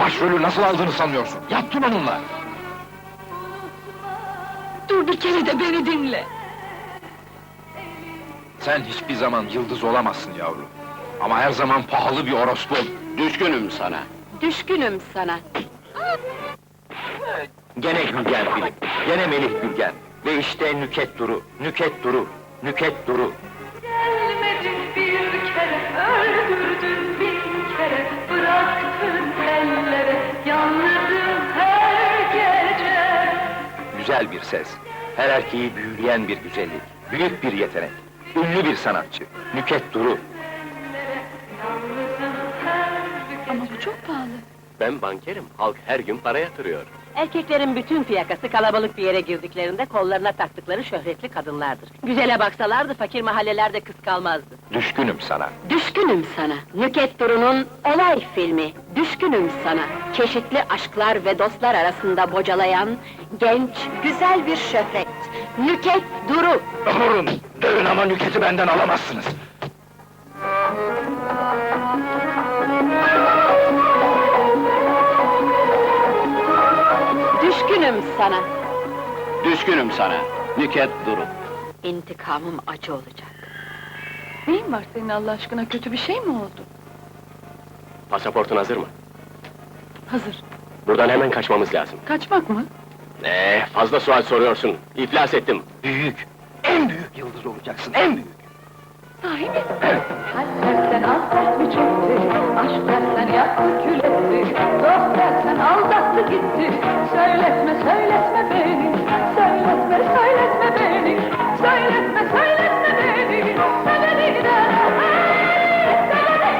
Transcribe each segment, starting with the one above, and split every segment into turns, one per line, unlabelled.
Başrolü nasıl aldığını sanıyorsun? Yattın onunla!
Dur bir kere de beni dinle!
Sen hiçbir zaman yıldız olamazsın yavrum. Ama her zaman pahalı bir orospu.
Düşkünüm sana.
Düşkünüm sana!
Gene Gülgen film, gene Melih Gülgen. Ve işte Nüket Duru, Nüket Duru, Nüket Duru.
Gelmedin bir kere, öldürdün bin kere, bıraktın ellere, yalnızım her gece.
Güzel bir ses, her erkeği büyüleyen bir güzellik, büyük bir yetenek, ünlü bir sanatçı, Nüket Duru.
Yalnızım her gece.
Ama bu çok pahalı!
Ben bankerim, halk her gün para yatırıyor.
Erkeklerin bütün fiyakası kalabalık bir yere girdiklerinde kollarına taktıkları şöhretli kadınlardır. Güzele baksalardı fakir mahallelerde kız kalmazdı.
Düşkünüm sana.
Düşkünüm sana. Nüket Duru'nun olay filmi. Düşkünüm sana. Çeşitli aşklar ve dostlar arasında bocalayan genç, güzel bir şöhret. Nüket Duru.
Durun, dövün ama Nüket'i benden alamazsınız.
Düşkünüm sana.
Düşkünüm sana. Nüket Duru.
İntikamım acı olacak.
Neyin var senin Allah aşkına, kötü bir şey mi oldu?
Pasaportun hazır mı?
Hazır.
Buradan hemen kaçmamız lazım.
Kaçmak mı?
Fazla sual soruyorsun. İflas ettim.
Büyük, en büyük yıldız olacaksın, en büyük.
Sahi mi?
Kalp dersen affet mi çekti, aşk dersen yaktı kül etti, dost dersen aldattı gitti. Söyletme, söyletme beni, söyletme, söyletme beni, söyletme, söyletme beni, seveni de, seveni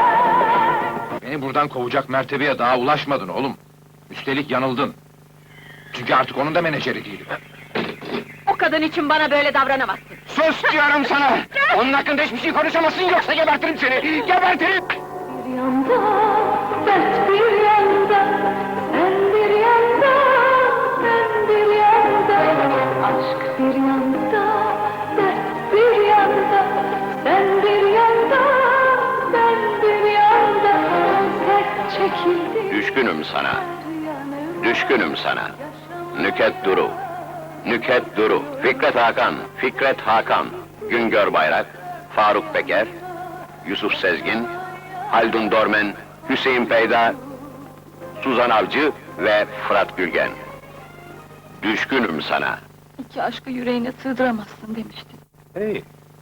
de.
Beni buradan kovacak mertebeye daha ulaşmadın oğlum. Üstelik yanıldın. Çünkü artık onun da menajeri değilim.
O kadın için bana böyle davranamazsın.
Sus diyorum sana! Onun hakkında hiçbir şey konuşamazsın, yoksa gebertirim seni! Gebertirim!
Bir yanda, dert bir yanda, sen bir yanda, ben bir yanda. Aşk bir yanda, dert bir yanda, sen bir yanda, ben bir yanda. Hasret çekildi.
Düşkünüm sana. Düşkünüm sana. Nüket Duru. Nüket Duru. Fikret Hakan. Fikret Hakan. Güngör Bayrak. Faruk Peker. Yusuf Sezgin. Haldun Dormen. Hüseyin Peyda. Suzan Avcı ve Fırat Gülgen. Düşkünüm sana.
İki aşkı yüreğine sığdıramazsın demiştin.
Hey!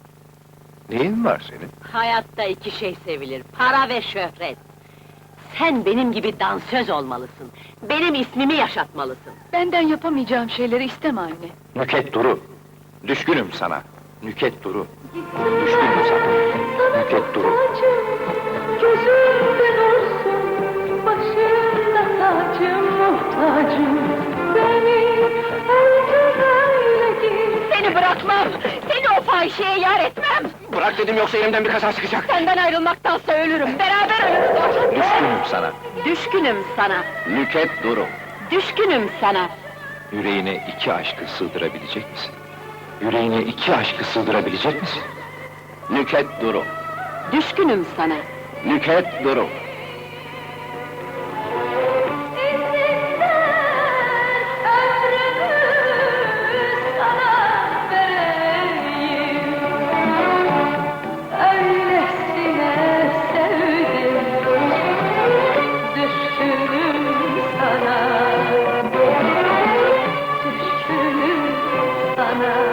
Neyin var senin?
Hayatta iki şey sevilir, para ve şöhret. Sen benim gibi dansöz olmalısın. Benim ismimi yaşatmalısın.
Benden yapamayacağım şeyleri isteme anne.
Nüket Duru. Düşkünüm sana. Nüket Duru. Düşkünüm sana. Nüket Duru.
Gözümde nursun, başımda tacım, muhtacım. Beni öldür öyle git.
Seni bırakmam! Seni o fahişeye yar etmem!
Bırak dedim, yoksa elimden bir kaza çıkacak.
Senden ayrılmaktansa ölürüm, beraber ölürüz!
Düşkünüm sana.
Düşkünüm sana,
Nüket Duru.
düşkünüm sana!
Yüreğine iki aşkı sığdırabilecek misin? Yüreğine iki aşkı sığdırabilecek misin?
Nüket Duru.
Düşkünüm sana!
Nüket Duru.
Ömrümü sana vereyim. Öylesine sevdim. Düşkünüm sana. Düşkünüm sana.